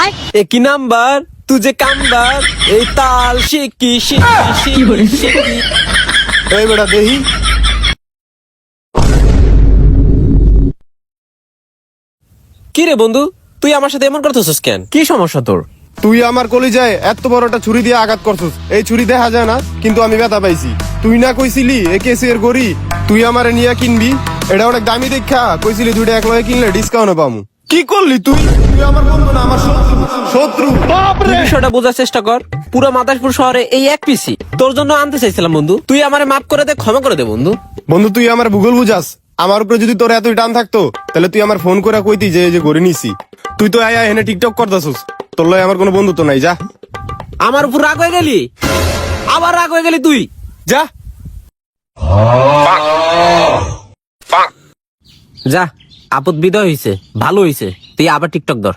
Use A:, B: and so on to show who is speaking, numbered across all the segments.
A: एक ही नंबर तुझे कामदार এই তাল শিকি শিকি শিকি শিকি
B: এই বেটা দেহি
A: কি রে বন্ধু তুই আমার সাথে এমন করতেছিস কেন কি সমস্যা তোর
B: তুই আমার কলিজায় এত বড় একটা ছুরি দিয়ে আঘাত করছিস। এই ছুরি দেখা যায় না, কিন্তু আমি ব্যথা পাইছি। তুই না কইছিলি এ কেসের গড়ি তুই আমারে নিয়ে কিনবি, এটা অনেক দামি দেখা কইছিলি দুইটা এক লগে কিনলে ডিসকাউন্টে পামু। কি করলি তুই? তুই আমার বন্ধু না আমার শত্রু।
A: তুই বিষয়টা বোঝার চেষ্টা কর। পুরো মাদারপুর শহরে এই এক পিসি তোর জন্য আনতে চাইছিলাম বন্ধু। তুই আমারে মাফ করে দে, ক্ষমা করে দে বন্ধু।
B: বন্ধু তুই আমার ভূগোল বুঝাস। আমার উপরে যদি তোর এতই টান থাকতো তাহলে তুই আমার ফোন করে কইতি যে এই যে গড়ি নিছি। তুই তো আয়া এনে টিকটক করতাছিস, তোর লয় আমার কোনো বন্ধু তো নাই। যা
A: আমার উপর রাগ হয়ে গেলি, আবার রাগ হয়ে গেলি তুই।
B: যা
A: যা আপদ বিদায় হইছে, ভালো হইছে। তুই আবার টিকটক ধর।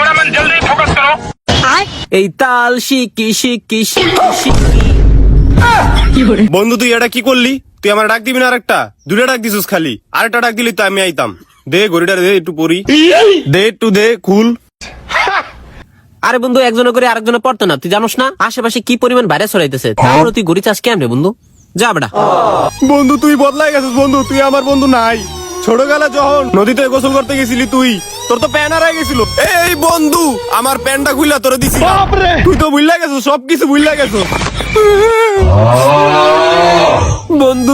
A: এই তাল শিকি শিকি শিকি শিকি।
B: বন্ধু তুই এটা কি করলি? তুই আমার ডাক দিবি না? আরেকটা দুইটা ডাক দিছিস খালি, আরেকটা ডাক দিলি তো আমি আইতাম। দে গড়িটা দে, একটু পরি দে, একটু দে খুল।
A: আরে বন্ধু একজনে করে আরেকজনে পড়তো না, তুই জানোস না আশেপাশে কি পরিমাণ ভাইরাস ছড়াইতেছে। তারপরে তুই গড়ি চাস কেমনে বন্ধু? যা বেটা।
B: বন্ধু তুই বদলাই গেছিস বন্ধু, তুই আমার বন্ধু নাই। ছোটবেলা যখন নদীতে গোসল করতে গেছিলি তুই, তোর তো প্যান হারাই গেছিল। এই বন্ধু আমার প্যানটা খুইলা তোরে দিছি। তুই তো ভুইলা গেছিস, সবকিছু ভুইলা গেছিস
A: বন্ধু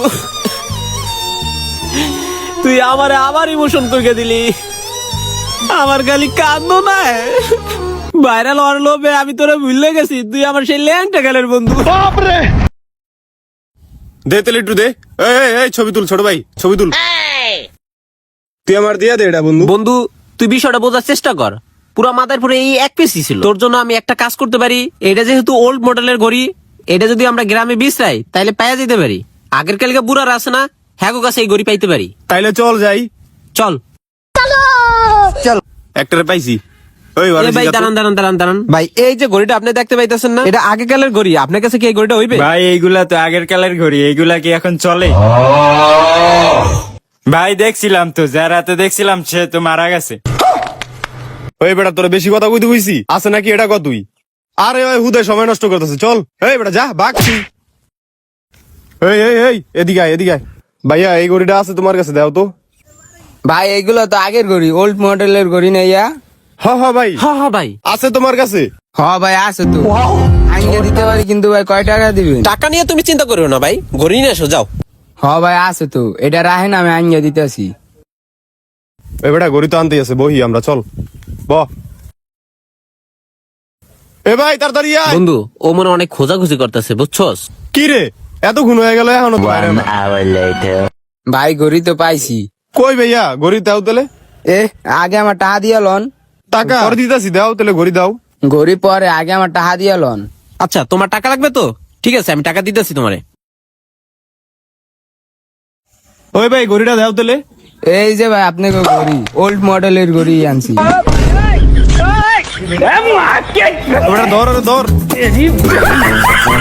A: তুই আমারে আবার ইমোশন করে দিলি। আমার খালি কান্দো না, ভাইরাল হওয়ার লোভে আমি তোরে ভুলে গেছি। তুই আমার সেই ল্যাংটা গেলের বন্ধু।
B: দে তেলে একটু দে। এই ছবি তুল, ছোট ভাই ছবি তুল। তুই আমার দিয়া দে এটা বন্ধু।
A: বন্ধু তুই বিষয়টা বোঝার চেষ্টা কর। পুরো মাথার পরে এই এক পিসি ছিল। তোর জন্য আমি একটা কাজ করতে পারি। এটা যেহেতু ওল্ড মডেলের ঘড়ি, এটা যদি আমরা গ্রামে বিছরাই তাইলে পাইয়া যেতে পারি। আগের কালকে বুড়ার আছে না, হ্যাঁ কাছে এই ঘড়ি পাইতে পারি।
B: তাইলে চল যাই।
A: চল
B: চল একটারে পাইছি। ওই
A: এ ভাই দাঁড়ান দাঁড়ান দাঁড়ান দাঁড়ান ভাই, এই যে ঘড়িটা আপনি দেখতে পাইতেছেন না, এটা আগে কালের ঘড়ি। আপনার কাছে কি এই ঘড়িটা হইবে?
C: ভাই এইগুলা তো আগের কালের ঘড়ি, এইগুলা কি এখন চলে? ভাই দেখছিলাম তো, যার হাতে দেখছিলাম সে তো মারা গেছে।
B: ওই বেটা তোরে বেশি কথা কইতে কইছি আছে নাকি? এটা কত তুই? আরে ওই হুদে সময় নষ্ট করতেছে। চল এই বেটা যা বাগছি। এই এদিকে আয়, এদিকে আয়। ভাইয়া এই ঘড়িটা আছে তোমার কাছে, দাও তো।
D: ভাই এগুলো তো আগের ঘড়ি, ওল্ড মডেলের ঘড়ি নাইয়া।
B: হ্যাঁ ভাই
A: হ্যাঁ ভাই
B: আছে তোমার কাছে।
D: হ ভাই আছে তো, আইনে দিতে পারি। কিন্তু ভাই কয় টাকা দিবেন?
A: টাকা নিয়ে তুমি চিন্তা করিও না ভাই, ঘড়ি নিয়ে এসো যাও।
D: হ ভাই আছে তো, এটা রাহেন আমি আইনে দিতেছি।
B: এই বেটা ঘড়ি তো আনতে আছে, বহি আমরা। চল ব এ ভাই তাড়াতাড়ি আয়।
A: বন্ধু ও মনে অনেক খোঁজাখুঁজি করতেছে বুঝছস।
B: কি রে এত ঘুম হয়ে গেল এখনো তো বাইরে না?
D: ভাই ঘড়ি তো পাইছি।
B: কই ভাইয়া ঘড়ি দাও তাহলে।
D: এ আগে আমার টাকা দিয়া লন।
B: টাকা পরে দিতাছি, দাও তাহলে ঘড়ি দাও।
D: ঘড়ি পরে, আগে আমার টাকা দিয়া লন।
A: আচ্ছা তোমার টাকা লাগবে তো? ঠিক আছে আমি টাকা দিতেছি তোমারে।
B: ওই ভাই ঘড়িটা দাও তাহলে।
D: এই যে ভাই আপনাকে ঘড়ি, ওল্ড মডেলের ঘড়ি আনছি।
B: ধর ধর